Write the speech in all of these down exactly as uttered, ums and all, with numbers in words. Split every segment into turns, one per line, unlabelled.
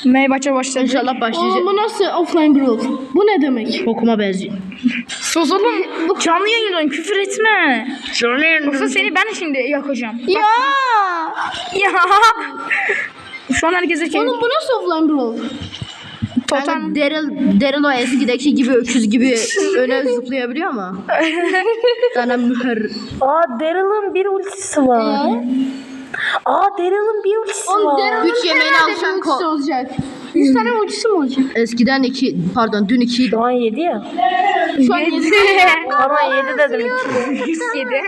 Meybaça başladı.
İnşallah başlayacak.
Oğlum bu nasıl offline brawl? Bu ne demek?
Bokuma benziyor.
Sus oğlum. Bu canlı yayındayım, küfür etme.
Canlı
Yoksa seni ben şimdi yakacağım.
Ya.
Ya. Şu an herkese şey...
Oğlum bu nasıl offline brawl?
Totem.
Kanka Daryl, Daryl o eskideki gibi öküz gibi öne zıplayabiliyor ama. Sana müher.
Aa Daryl'ın bir ultisi var. Aa Daryl'ın bir ultisi var.
Güç yemeğini alsan
ultisi
ko.
olacak. yüz tane ultisi mi olacak?
Eskiden iki, pardon dün iki.
Şu an yedi ya.
Şu an yedi.
Ama yedi dedim.
Yedi.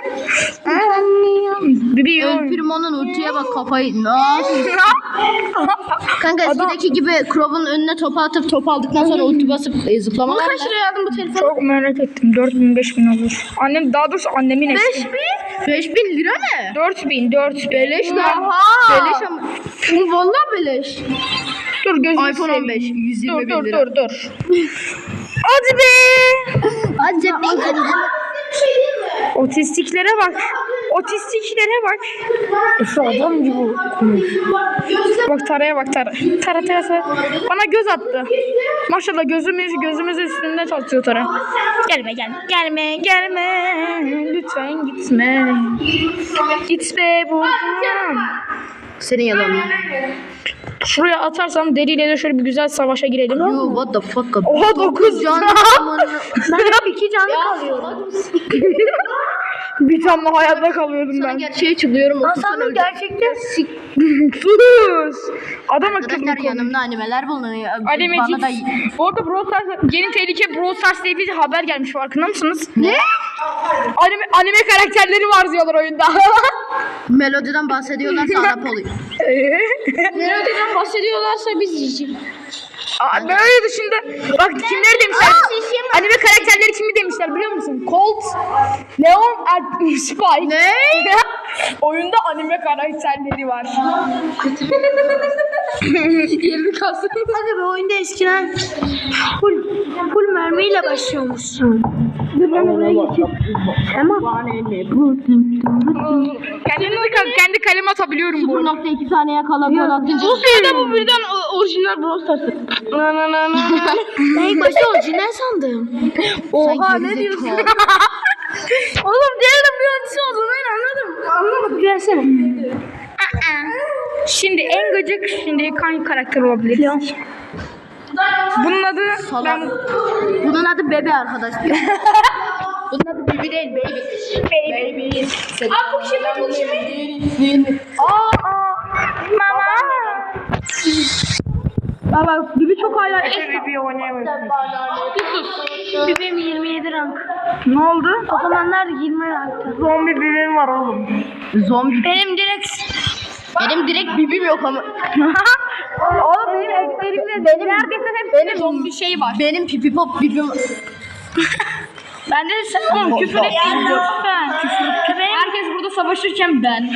Bibi
El
yok.
Primo'nun ultiye bak kafayı. Nasıl? Kanka eskideki gibi Crow'un önüne topu atıp top aldıktan sonra ulti basıp e, zıplama var.
Kaç liraya aldın bu telefonu?
Çok merak ettim. dört bin beş bin olur. Annem daha doğrusu annemin eski.
beş bin lira ne?
dört bin dört bin.
Beleş lan.
Oha.
Beleş ama.
Bu vallahi beleş.
Dur gözünü
iPhone on beş. yüz yirmi
Dur
bin
dur
lira.
dur dur. Hadi be.
Acaba.
Otistiklere bak. Otistiklere bak.
Şu adam gibi.
Bak Tara'ya bak Tara. Tara Tara Tara. Bana göz attı. Maşallah gözümüz gözümüz üstünde çalışıyor Tara. Gelme gel. Gelme gelme. Lütfen gitme. Gitme buradan.
Senin yalanın.
Şuraya atarsam deriyle de şöyle bir güzel savaşa girelim.
You what the fuck?
Oha dokuz can.
Ben hep iki canlı kalıyorum.
Bir tane hayatta kalıyordum
Sana
ben.
gerçeği çıkıyorum.
Lan sanırım gerçekten sik.
Sus. Adam akıllı
Arkadaşlar
konuş.
yanımda animeler bulunuyor.
Animecik.
Bana da
Bu arada Brawl Stars, yeni tehlike Brawl Stars diye bir haber gelmiş, farkında mısınız?
ne?
Anime, anime karakterleri var diyorlar oyunda.
Melodiden bahsediyorlarsa Arap oluyor.
Melodiden bahsediyorlarsa biz yiyeceğiz.
Aa, böyle dışında bak kimleri demişler? Anime karakterleri kimi demişler biliyor musun? Colt, Leon, er, Spike.
Ne?
Oyunda anime karakterleri var.
Yerini kalsın.
Hadi be oyunda eskiden full, full mermiyle başlıyormuşsun. Tamam.
Kendinizi kendi kaleme atabiliyorum bu
sıfır
arada.
nokta iki saniye kala gol atınca.
Bu sırada bu birden o- orijinal Brawl Stars'ı.
Ben ilk başta orijinal sandım.
Oha ne diyorsun?
Oğlum diğerinin bir ölçüsü oldu, ben anladım.
Anlamadım gelsene.
Şimdi en gıcık şimdi hangi karakter olabilir?
Leon.
Bunun adı
Salak.
ben
Bunun adı Bebe arkadaşlar. Bunun adı Bibi değil Baby.
baby.
Aa bu kimi bu kimi?
Aa, aa, mama.
Baba Bibi çok hala
Baby oynayamıyorum.
Benim yirmi yedi rank.
Ne oldu?
O zamanlar yirmi ranktı.
Zombi birim var oğlum.
Zombi.
Benim direkt
Benim direkt Bibim yok ama.
Oğlum benim eklerimde
Benim
neredeyse hepsinde zombi şey var.
Benim pipi pop bibim.
Bende de sen oğlum küfür ettin lütfen. Küfür. Herkes burada savaşırken ben.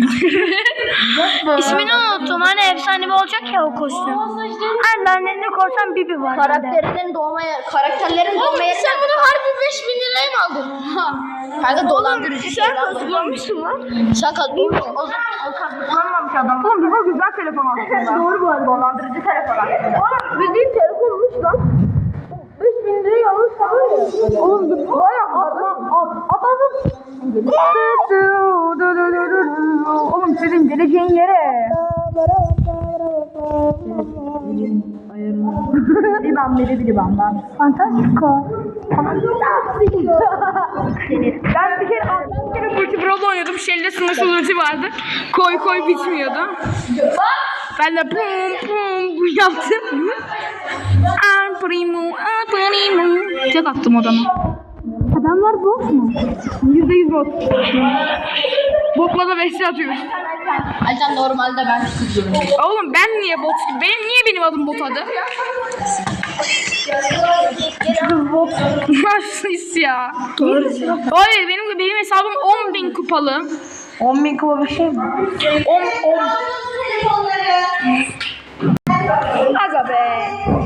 ismini unuttum. Hani efsanevi olacak ya o kostüm. Hani lanetli korsan Bibi var.
Karakterlerin doğmaya, karakterlerin doğmaya.
Sen bunu harbi beş bin liraya mı aldın?
Kanka dolandırıcı şey lan.
Kullanmışsın lan.
Sen kazanmış. O zaman kazanmamış adam.
Oğlum bu güzel telefon aslında.
Doğru bu arada. Dolandırıcı telefon aslında.
Oğlum bildiğin telefonmuş lan. beş bin liraya alırsa var ya. Oğlum bir baya
Atladım. Oğlum sizin geleceğin yere. Bir ben biri biri ben ben.
Fantastico.
Ben bir kere ben bir kere multi brawl oynuyordum. Shell'de sınırsız ulti vardı. Koy koy bitmiyordu. Ben de pum pum bu yaptım. Al primo, al primo. Tek attım adama.
Adamlar bot mu?
Yüzde yüz bot. Botla da beşli atıyoruz.
Altan normalde ben kızıyorum.
Oğlum ben niye bot? Benim niye benim adım bot adı? Nasıl ya?
Doğru.
Hayır benim benim hesabım on bin kupalı.
on bin kupa bir şey mi?
on on. Aga be.